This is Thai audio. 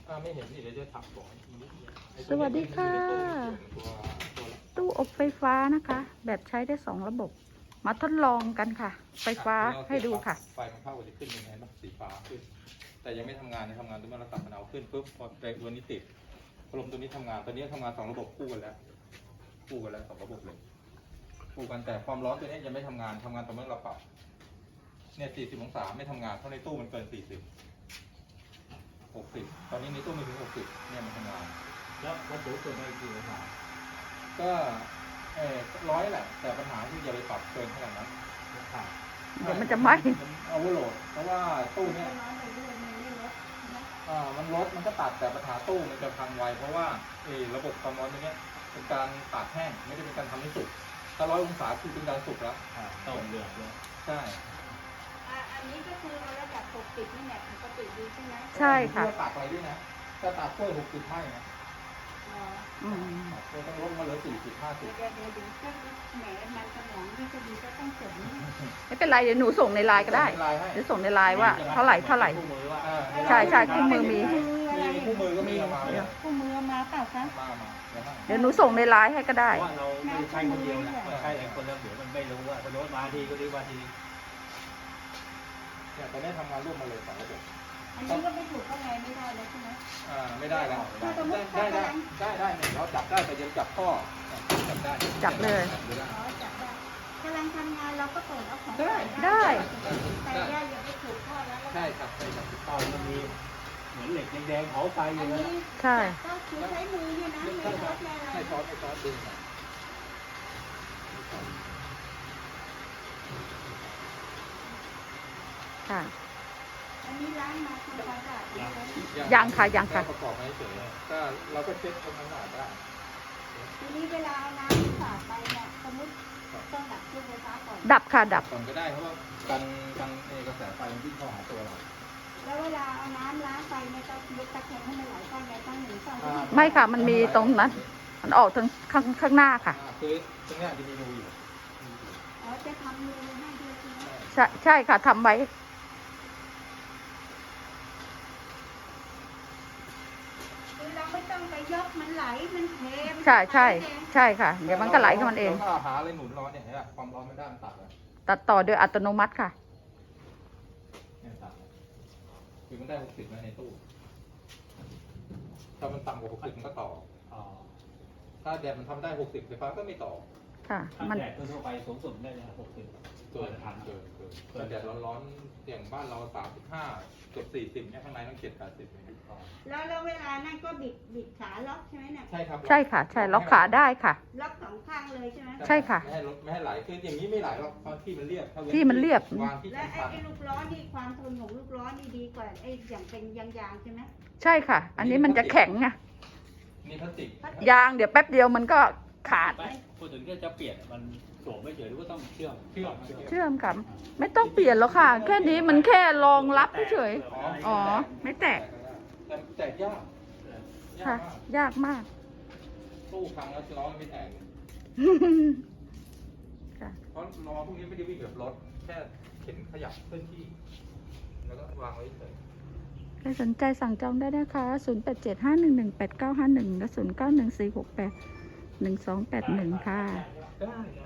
ไม่เห็นนี่เดี๋ยวจะถักก่อนสวัสดีค่ะตู้อบไฟฟ้านะคะ แบบใช้ได้2 ระบบ มาทดลองกันค่ะ ไฟฟ้าให้ดูค่ะไฟมันเข้าจะขึ้นยังไงบ้างสีฟ้าขึ้นแต่ยังไม่ทำงานนะทำงานตัวเมื่อเราตัดมันเอาขึ้นปุ๊บพอตัวนี้ติดพัดลมตัวนี้ทำงานตัวนี้ทำงาน2 ระบบคู่กันแล้ว2 ระบบเลยคู่กันแต่ความร้อนตัวนี้ยังไม่ทำงานต่อเมื่อเราปรับเนี่ย40 องศาไม่ทำงานเพราะในตู้มันเกิน40 60ตอนนี้ในตู้ไม่ถึง60เนี่ยมันทำงานแล้ววัตถุเกิดอะไรกี่องศาก็100แหละแต่ปัญหาที่อย่าไปปรับเกินขนาดนั้นเดี๋ยวมันจะไหม้มันเอาโหลดเพราะว่าตู้เนี้ยมันลดมันก็ตัดแต่ปัญหาตู้มันจะพังไวเพราะว่าระบบความร้อนตรงนี้เป็นการตากแห้งไม่ได้เป็นการทำให้สุกถ้า100 องศาคือเป็นการสุกแล้วต้องเดือดเลยใช่อันนี้ก็คือระดับ60นี่แหละปกติดีใช่ไหมใช่ค่ะตากอะไรด้วยนะถ้าตากกล้วย60ให้นะเราต้องลดมาเหลือ40 50 เดี๋ยวก็แหมมันสมองนี่จะดีก็ต้องเสริมไม่เป็นไรเดี๋ยวหนูส่งในไลน์ก็ได้เดี๋ยวส่งในไลน์ว่าเท่าไหร่ใช่คู่มือมีคู่มือก็มีมาคู่มือมาเปล่าคะเดี๋ยวหนูส่งในไลน์ให้ก็ได้ว่าเราไม่ใช่คนเดียวนะใช่หลายคนแล้วเดี๋ยวมันไม่รู้ว่าพอรถมาทีก็ดีว่าทีเนี่ยตอนนี้ทำงานร่วมมาเลย2 ระบบอันนี้ก็ไม่ถูกข้างในไม่ได้แล้วใช่ไหมไม่ได้แล้วได้เราจับได้แต่ยังจับข้อจับได้จับเลยจับได้กำลังทำงานเราก็เปิดเอาของได้แต่ย่าอย่าไปถูกข้อแล้วใช่ครับใช่ครับตอนมันมีเหมือนเหล็กแดงๆเผาไฟอยู่นะใช่ต้องใช้มือเนี่ยนะไม่ช็อตดึงค่ะอันนี้ล้างมาทำความสะอาดยังค่ะประกอบให้เฉยก็เราก็เช็คทำความสะอาดได้ทีนี้เวลาน้ำสาดไปเนี่ยสมมติต้องดับเครื่องไฟฟ้าก่อนดับค่ะดับก่อนก็ได้เพราะว่ากันกระแสไฟมันวิ่งเข้าหาตัวเราแล้วเวลาเอาน้ำล้างไฟเนี่ยต้องยกตะแคงให้มันไหลเข้าในตั้ง1 2 ไม่ค่ะมันมีตรงนั้นมันออกทางข้างหน้าค่ะคือตรงนี้จะมีรูอยู่จะทำรูให้ด้วยใช่ค่ะทำไว้เราไม่ต้องไปยกมันไหลมันเทใช่ค่ะเดี๋ยวมันก็ไหลของมันเองเราหาอะไรหนุนร้อนเนี่ยความร้อนไม่ได้มันตัดต่อโดยอัตโนมัติค่ะเนี่ยตัดคือมันได้60ในตู้ถ้ามันต่ำกว่า60มันก็ต่อถ้าแดดมันทำได้60ไฟฟ้าก็ไม่ต่อค่ะมันแดดทั่วไปสูงสุดได้เลย60 เกินถ้าแดดร้อนๆอย่างบ้านเรา35เกือบ40เนี่ยข้างในต้อง70-80 แล้วเวลานั่นก็บิดขาล็อกใช่ไหมเนี่ยใช่ครับใช่ค่ะใช่ล็อกขาได้ค่ะล็อก2 ข้างเลยใช่ไหมใช่ค่ะไม่ให้ไหลคืออย่างนี้ไม่ไหลหรอกเพราะที่มันเรียบและไอ้ลูกล้อนี่ความทนของลูกล้อนี่ดีกว่าไอ้อย่างเป็นยางใช่ไหมใช่ค่ะอันนี้มันจะแข็งไงนี่พลาสติกยางเดี๋ยวแป๊บเดียวมันก็ขาดพูดถึงจะเปลี่ยนมันสวมไม่เฉยหรือว่าต้องเชื่อมค่ะไม่ต้องเปลี่ยนหรอกค่ะแค่นี้มันแค่รองรับเฉยอ๋อไม่แตกยากค่ะยากมากตู้พังแล้วล้อไม่แตกเพราะล้อพวกนี้ไม่ได้วิ่งแบบรถแค่เข็นขยับเคลื่อนที่แล้วก็วางไว้เฉยใครสนใจสั่งจองได้นะคะ0875118951และ0914681281ค่ะได้